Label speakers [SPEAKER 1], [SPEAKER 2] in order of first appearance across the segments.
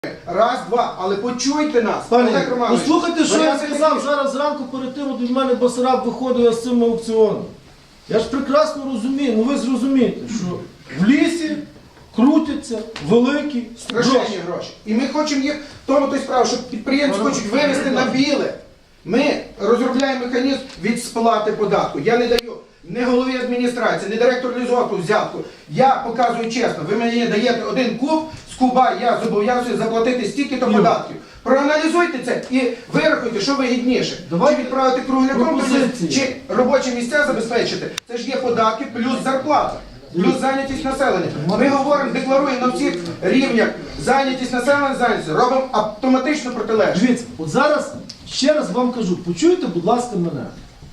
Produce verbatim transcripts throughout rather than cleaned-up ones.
[SPEAKER 1] Раз, два, але почуйте нас.
[SPEAKER 2] Пане,
[SPEAKER 1] Олег Романович,
[SPEAKER 2] послухайте, що я
[SPEAKER 1] варіанти
[SPEAKER 2] сказав
[SPEAKER 1] такі.
[SPEAKER 2] зараз зранку перед тим, от від мене Басараб виходив з цим аукціоном. Я ж прекрасно розумію, ну ви зрозумієте, що в лісі крутяться великі
[SPEAKER 1] Страшенні
[SPEAKER 2] гроші.
[SPEAKER 1] гроші. І ми хочемо їх, в тому то й справа, що підприємці хочуть вивести на біле. Ми розробляємо механізм від сплати податку. Я не даю не голові адміністрації, не директору лісгоспу взятку. Я показую чесно, ви мені даєте один куб, з куба я зобов'язую заплатити стільки-то податків. Проаналізуйте це і вирахуйте, що вигідніше.
[SPEAKER 2] Давайте
[SPEAKER 1] Чи відправити кругляком,
[SPEAKER 2] пропозиції.
[SPEAKER 1] чи робочі місця забезпечити. Це ж є податки плюс зарплата. Плюс зайнятість населення. Ми говоримо, декларуємо на всіх рівнях зайнятість населення, зайнятість. Робимо автоматично протилежне.
[SPEAKER 2] Дивіться, от зараз ще раз вам кажу, почуйте, будь ласка, мене.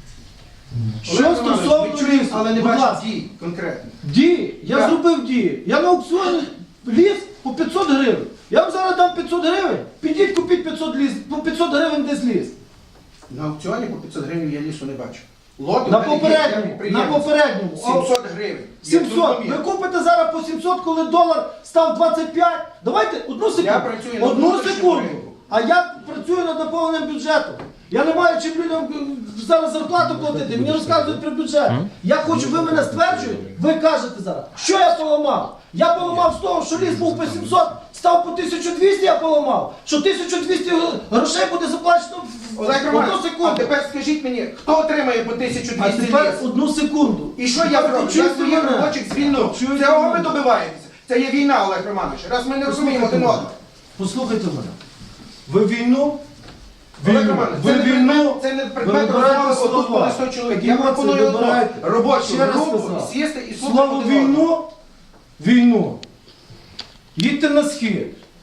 [SPEAKER 2] Що
[SPEAKER 1] Олег Романович,
[SPEAKER 2] стосовно
[SPEAKER 1] ми чуємо,
[SPEAKER 2] лісу,
[SPEAKER 1] але не
[SPEAKER 2] будь
[SPEAKER 1] бачимо
[SPEAKER 2] ласка.
[SPEAKER 1] дій конкретно.
[SPEAKER 2] Дії, я
[SPEAKER 1] Так.
[SPEAKER 2] зробив дії. Я на аукціоні ліс по п'ятсот гривень. Я вам зараз дам п'ятсот гривень, підіть купіть п'ятсот ліс, по п'ятсот гривень десь ліс.
[SPEAKER 1] На аукціоні по п'ятсот гривень я лісу не бачу. Лоти
[SPEAKER 2] На
[SPEAKER 1] в мене є, я
[SPEAKER 2] попередньому, на
[SPEAKER 1] підприємець.
[SPEAKER 2] попередньому.
[SPEAKER 1] сімсот гривень. Я
[SPEAKER 2] сімсот.
[SPEAKER 1] зрозумів.
[SPEAKER 2] Ви купите зараз по сімсот, коли долар став двадцять п'ять. Давайте одну секунду.
[SPEAKER 1] Я працюю на
[SPEAKER 2] Одну
[SPEAKER 1] внутрішньому
[SPEAKER 2] секунду.
[SPEAKER 1] ринку.
[SPEAKER 2] А я працюю над наповненням бюджету. Я не маю чим людям е, зараз зарплату платити. Мені розказують про бюджет. Я хочу, ви мене стверджуєте. Ви кажете зараз, що я поламав? Я поламав з того, що ліс був по сімсот, став по тисячу двісті, я поламав. Що тисячу двісті грошей буде заплачено в
[SPEAKER 1] Олег
[SPEAKER 2] одну
[SPEAKER 1] Романович, а
[SPEAKER 2] секунду.
[SPEAKER 1] тепер скажіть мені, хто отримає по тисячу
[SPEAKER 2] А
[SPEAKER 1] двісті
[SPEAKER 2] тепер
[SPEAKER 1] ліс?
[SPEAKER 2] одну секунду.
[SPEAKER 1] І що я
[SPEAKER 2] Тепер
[SPEAKER 1] зроблю? Я
[SPEAKER 2] почуйте
[SPEAKER 1] своїх
[SPEAKER 2] мене.
[SPEAKER 1] робочих звільну.
[SPEAKER 2] Почуйте
[SPEAKER 1] Цього ви
[SPEAKER 2] мене.
[SPEAKER 1] добиваєтеся. Це є війна, Олег Романович. Раз ми не розуміємо один одного.
[SPEAKER 2] Послухайте мене. Ви війну,
[SPEAKER 1] Олег
[SPEAKER 2] війну,
[SPEAKER 1] Романович,
[SPEAKER 2] ви
[SPEAKER 1] це не
[SPEAKER 2] війну,
[SPEAKER 1] предмет, це не
[SPEAKER 2] ви
[SPEAKER 1] предмет
[SPEAKER 2] вибираєте
[SPEAKER 1] розмови отут
[SPEAKER 2] слова.
[SPEAKER 1] коли сто чоловік. Я
[SPEAKER 2] Емоції
[SPEAKER 1] пропоную одну
[SPEAKER 2] вибираєте.
[SPEAKER 1] робочу
[SPEAKER 2] Ще раз
[SPEAKER 1] групу
[SPEAKER 2] сказав.
[SPEAKER 1] сісти і слухати
[SPEAKER 2] Слово
[SPEAKER 1] один одного.
[SPEAKER 2] війну, війну. Їдьте на схід.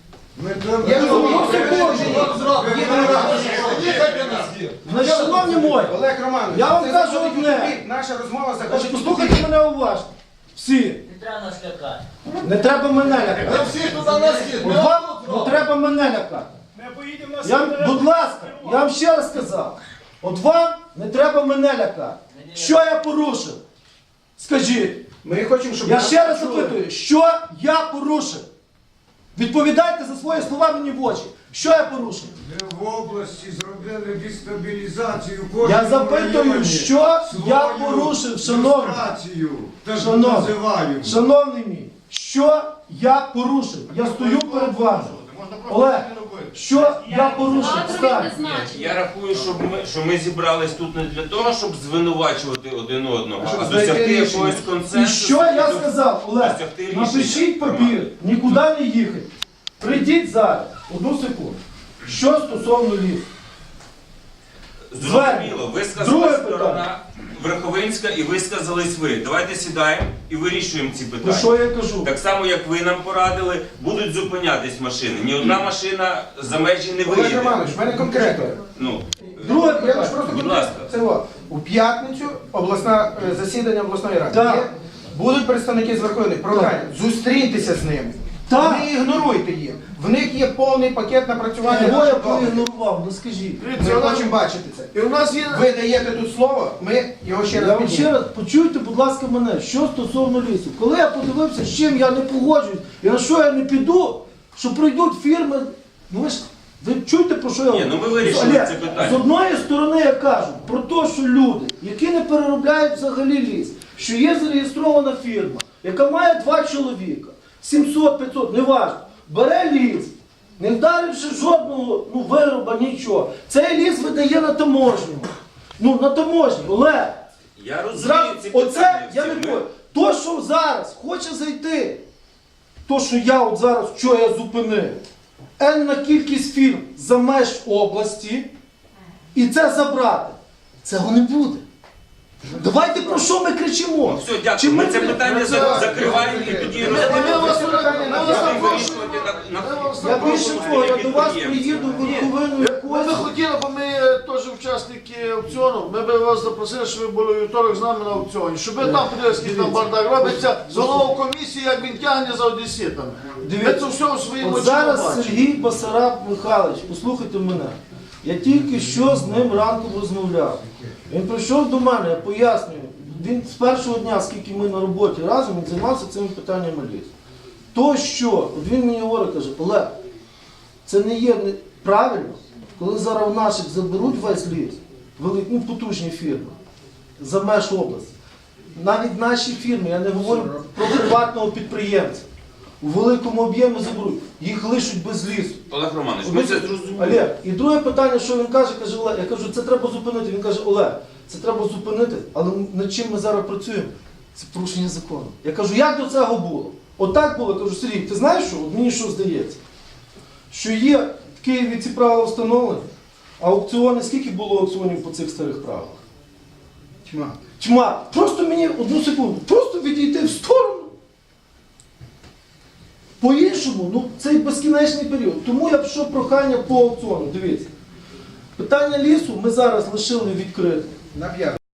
[SPEAKER 1] Я розумію.
[SPEAKER 2] Ну, секунду. Значить, шановні мої,
[SPEAKER 1] Олег Романович,
[SPEAKER 2] Я вам
[SPEAKER 1] це
[SPEAKER 2] кажу
[SPEAKER 1] заходить у
[SPEAKER 2] одне.
[SPEAKER 1] тупик. Наша розмова
[SPEAKER 2] значить,
[SPEAKER 1] заходить у
[SPEAKER 2] послухайте
[SPEAKER 1] тупик.
[SPEAKER 2] мене уважно. Всі.
[SPEAKER 3] Не треба нас лякати.
[SPEAKER 2] Не треба мене лякати.
[SPEAKER 4] Всі туди на схід.
[SPEAKER 2] От вам не треба мене лякати. Я, вам- будь ласка, я вам ще раз сказав. От вам не треба мене лякати. Що я порушив? Скажіть.
[SPEAKER 1] Ми хочемо, щоб
[SPEAKER 2] Я
[SPEAKER 1] нас
[SPEAKER 2] ще раз
[SPEAKER 1] почули.
[SPEAKER 2] запитую, що я порушив? Відповідайте за свої слова мені в очі. Що я порушив?
[SPEAKER 4] Ми в області зробили дестабілізацію кожного
[SPEAKER 2] Я запитую, що я порушив, шановний.
[SPEAKER 4] Так
[SPEAKER 2] Шановний.
[SPEAKER 4] називають.
[SPEAKER 2] Шановний мій, що я порушив? Я стою перед вами. Олег, що я порушив? Встань.
[SPEAKER 5] Я рахую, щоб ми, що ми зібрались тут не для того, щоб звинувачувати один одного,
[SPEAKER 1] А щоб
[SPEAKER 5] а
[SPEAKER 1] знайти
[SPEAKER 5] досягти
[SPEAKER 1] рішення.
[SPEAKER 5] якогось
[SPEAKER 2] І
[SPEAKER 5] консенсусу.
[SPEAKER 2] що я
[SPEAKER 5] до-
[SPEAKER 2] сказав, Олег?
[SPEAKER 5] досягти рішення.
[SPEAKER 2] Напишіть папір, нікуди не їхати. Прийдіть зараз, одну секунду. Що стосовно лісу?
[SPEAKER 5] Зрозуміло,
[SPEAKER 2] Друге
[SPEAKER 5] висказалась
[SPEAKER 2] питання.
[SPEAKER 5] сторона Верховинська і висказались ви. Давайте сідаємо і вирішуємо ці
[SPEAKER 2] Ну
[SPEAKER 5] питання.
[SPEAKER 2] що я кажу?
[SPEAKER 5] Так само, як ви нам порадили, будуть зупинятись машини. Ні одна машина за межі не
[SPEAKER 1] Олег
[SPEAKER 5] виїде.
[SPEAKER 1] Романович, в мене конкретно.
[SPEAKER 5] Ну,
[SPEAKER 2] Друге
[SPEAKER 1] Я лише
[SPEAKER 2] питання.
[SPEAKER 1] просто
[SPEAKER 5] Будь
[SPEAKER 1] конкретно.
[SPEAKER 5] ласка.
[SPEAKER 1] Це о, у п'ятницю обласна е, засідання обласної ради.
[SPEAKER 2] Так.
[SPEAKER 1] Є, будуть представники з Верховної програми. Зустріньтеся з ними.
[SPEAKER 2] Так.
[SPEAKER 1] Не ігноруйте їх. В них є повний пакет напрацювання.
[SPEAKER 2] Кого я
[SPEAKER 1] наших договорів.
[SPEAKER 2] проігнорував? Ну скажіть.
[SPEAKER 1] Ми хочемо бачити це.
[SPEAKER 4] І у нас є
[SPEAKER 1] Ви даєте тут слово, ми його ще
[SPEAKER 2] Я
[SPEAKER 1] раз
[SPEAKER 2] вам ще
[SPEAKER 1] піднімемо.
[SPEAKER 2] раз, почуйте, будь ласка, мене, що стосовно лісу. Коли я подивився, з чим я не погоджуюсь, і на що я не піду, що прийдуть фірми, ну ви ж, ви чуєте, про що я
[SPEAKER 5] Ні,
[SPEAKER 2] говорю?
[SPEAKER 5] ну ми вирішили
[SPEAKER 2] Олег,
[SPEAKER 5] це питання.
[SPEAKER 2] З одної сторони я кажу про те, що люди, які не переробляють взагалі ліс, що є зареєстрована фірма, яка має два чоловіка, сімсот п'ятсот, неважно, бере ліс, не вдаривши жодного ну, вироба, нічого. Цей ліс видає на таможню. Ну, на таможню, Олег.
[SPEAKER 5] я розумію
[SPEAKER 2] Зразу,
[SPEAKER 5] ці
[SPEAKER 2] оце
[SPEAKER 5] питання.
[SPEAKER 2] я
[SPEAKER 5] всі.
[SPEAKER 2] не
[SPEAKER 5] Ми-
[SPEAKER 2] бою. То, що зараз хоче зайти, то, що я от зараз, що я зупинив, енна кількість фірм за меж області, і це забрати, цього не буде. Давайте про що ми кричимо?
[SPEAKER 5] Ну, все, дякую.
[SPEAKER 2] Чи
[SPEAKER 5] Ми це
[SPEAKER 2] ми-
[SPEAKER 5] питання за- закриваємо і тоді
[SPEAKER 4] Ми вас
[SPEAKER 5] розглядаємо.
[SPEAKER 4] ми вас
[SPEAKER 5] Будемо
[SPEAKER 4] запрошуємо.
[SPEAKER 5] вирішувати на- на-
[SPEAKER 2] Я
[SPEAKER 5] на
[SPEAKER 2] більше
[SPEAKER 5] профільному
[SPEAKER 2] того, я до вас
[SPEAKER 5] підприємстві.
[SPEAKER 2] приїду в Верховину
[SPEAKER 4] Ми
[SPEAKER 2] якось.
[SPEAKER 4] би хотіли, бо ми е, теж учасники аукціону, ми би вас запросили, щоб ви були у вівторок з нами на аукціоні. Щоб ви там подивилися, який там бардак робиться, з головою комісії, як він тягне за одеситами. Ми
[SPEAKER 2] Дивіться,
[SPEAKER 4] це все у своїм
[SPEAKER 2] От
[SPEAKER 4] очі
[SPEAKER 2] зараз
[SPEAKER 4] бачимо.
[SPEAKER 2] Сергій Басараб Михайлович, послухайте мене. Я тільки що з ним ранком розмовляв. Він прийшов до мене, я пояснюю. Він з першого дня, скільки ми на роботі разом, він займався цими питаннями лісу. То що, от він мені говорить, каже, Олег, Це не є не- правильно, коли зараз в наших заберуть весь ліс, великі, ну, потужні фірми, за меж області. Навіть наші фірми, я не говорю про приватного підприємця, у великому об'ємі заберуть, їх лишуть без лісу.
[SPEAKER 5] Олег Романович, ми це зрозуміли.
[SPEAKER 2] Олег, і друге питання, що він каже, каже, Олег, я кажу, це треба зупинити. Він каже, Олег, це треба зупинити, але над чим ми зараз працюємо? Це порушення закону. Я кажу, як до цього було? Отак було, я кажу, Сергій, ти знаєш що? От мені що здається? Що є в Києві ці правила встановлені, а аукціони, скільки було аукціонів по цих старих правилах?
[SPEAKER 1] Тьма.
[SPEAKER 2] Тьма. Просто мені одну секунду, просто відійти в сторону. По-іншому, ну цей безкінечний період. Тому я пішов прохання по аукціону. Дивіться. Питання лісу ми зараз лишили відкритим.
[SPEAKER 1] На п'яту.